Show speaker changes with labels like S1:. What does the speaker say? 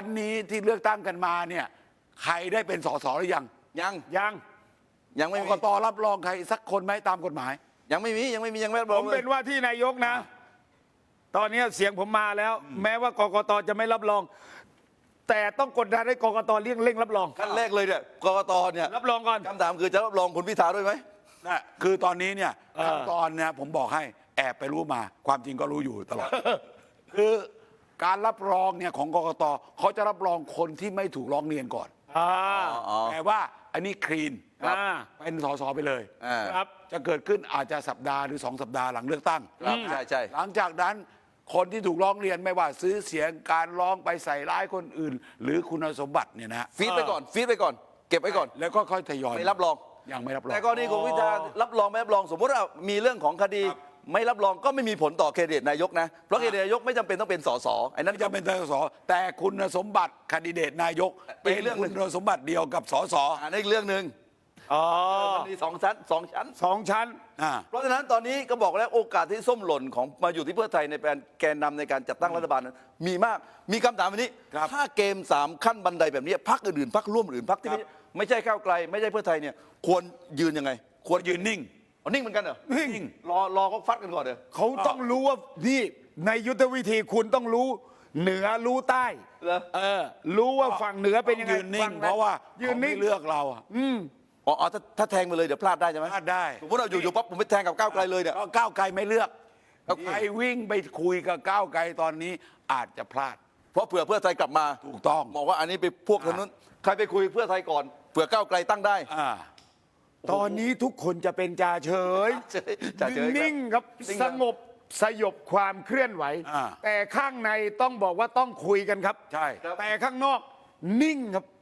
S1: วันนี้ที่เลือกตั้งกันมาเนี่ยใครได้เป็นสสหรือยัง
S2: ยังไม่
S1: ก
S2: มี
S1: กตรับรองใครสักคนไหมตามกฎหมาย
S2: ยังไม่รับร
S3: ผ
S2: อง
S3: ม
S2: เล
S3: เป็
S2: ย
S3: นว่าที่นายกนะ ตอนนี้เสียงผมมาแล้ว แม้ว่ากกตจะไม่รับรอง แต่ต้องกดดันให้กกตเร่งรับรอง
S2: ขั้นแรกเลยเนี่ยกกตเนี่ย
S3: รับรองก่อน
S2: คำถามคือจะรับรองคุณพิธาด้วยไหม
S1: นะคือตอนนี้เนี่ย
S3: เออ
S1: ขั้นตอนเนี่ยผมบอกให้แอบไปรู้มา ความจริงก็รู้อยู่ตลอด คือการรับรองเนี่ยของกกตเขาจะรับรองคนที่ไม่ถูกร้องเรียนก่อน
S3: อ่า
S1: แต่ว่าอันนี้คลีน
S3: อ่า
S1: เป็นสสไปเลย
S2: อ่า
S3: ครับ
S1: จะเกิดขึ้นอาจจะสัปดาห์หรือ2 สัปดาห์หลังเลือกตั้ง
S2: ครับใช่
S1: หลังจากนั้นคนที่ถูกร้องเรียนไม่ว่าซื้อเสียงการร้องไปใส่ร้ายคนอื่น หรือคุณสมบัติเนี่ยนะ
S2: ฟีดไปก่อนเก็บไว้ก่อน
S1: แล้วก็ค่อยทยอย
S2: ไม่รับรอง
S1: ยังไม่รับรอง
S2: แต่กรณีคุณพิธารับรองไม่รับรอง สมมติว่ามีเรื่องของคดี
S1: ครับ
S2: ไม่รับรองก็ไม่มีผลต่อเครดิตนายกนะเพราะเครดิตนายกไม่จำเป็นต้องเป็นสสไอ้นั้น
S1: ไม่จำเป็นสสแต่คุณสมบัติคนดิเดตนายก
S2: อี
S1: เป็น
S2: กเรื่องหนึ่
S1: คุ
S2: ง
S1: ณสมบัติเดียวกับสส
S2: อันนี้อีกเรื่องหนึ่ง
S3: อ๋อ
S2: มันมี2 ชั้น 2 ชั้น
S3: 2 ชั้น
S1: อ่า
S2: เพราะฉะนั้นตอนนี้ก็บอกแล้วโอกาสที่ส้มหล่นของมาอยู่ที่เพื่อไทยในการแกนนำในการจัดตั้งรัฐบาลนั้นมีมากมีคำถามวันนี้
S1: ครับ
S2: ถ้าเกม3 ขั้นบันไดแบบนี้พรรคอื่นๆพรรคร่วมอื่นพรรคที่
S1: ครับ
S2: ไม่ใช่ก้าวไกล ไม่ใช่เพื่อไทยเนี่ยควรยืนยังไง
S1: ควรยืนนิ่ง
S2: เอานิ่งเหมือนกันเหรอ
S1: นิ่ง
S2: รอเขาฟัดกันก่อนเถอะ
S3: เขาต้องรู้ว่านี่ในยุทธวิธีคุณต้องรู้เหนือรู้ใต้
S2: เหรอ
S3: รู้ว่าฝั่งเหนือเป็นยังไง
S1: ยืนนิ่
S3: ฝั่
S1: ง
S3: ไห
S1: เพราะว่า
S3: ยื
S1: เขา
S3: น
S1: ไม่
S3: นิ่ง
S1: เลือกเราอะ
S2: อ๋อถ้าแทงไปเลยเดี๋ยวพลาดได้ใช่ไหม
S1: พลาดได้
S2: สมมติเราอยู่ปั๊บผมไปแทงกับก้าวไกลเลยเนี่ย
S1: ก็ก้าวไกลไม่เลือก
S2: ครับ
S1: ใครวิ่งไปคุยกับก้าวไกลตอนนี้อาจจะพลาด
S2: เพราะเผื่อเพื่อไทยกลับมา
S1: ถูกต้อง
S2: บอกว่าอันนี้ไปพวกทางนู้นใครไปคุยเพื่อไทยก่อนเผื่อก้าวไกลตั้งได้
S1: อ่า
S3: ตอนนี้ทุกคนจะเป็นจ่าเฉย
S2: จ่าเฉยครับ
S3: นิ่งครับ
S2: นิ่ง
S3: ส
S2: ครับ
S3: งบสยบความเคลื่อนไหว
S1: อ่า
S3: แต่ข้างในต้องบอกว่าต้องคุยกันครับ
S1: ใช่
S3: แต่ข้างนอกนิ่งครับ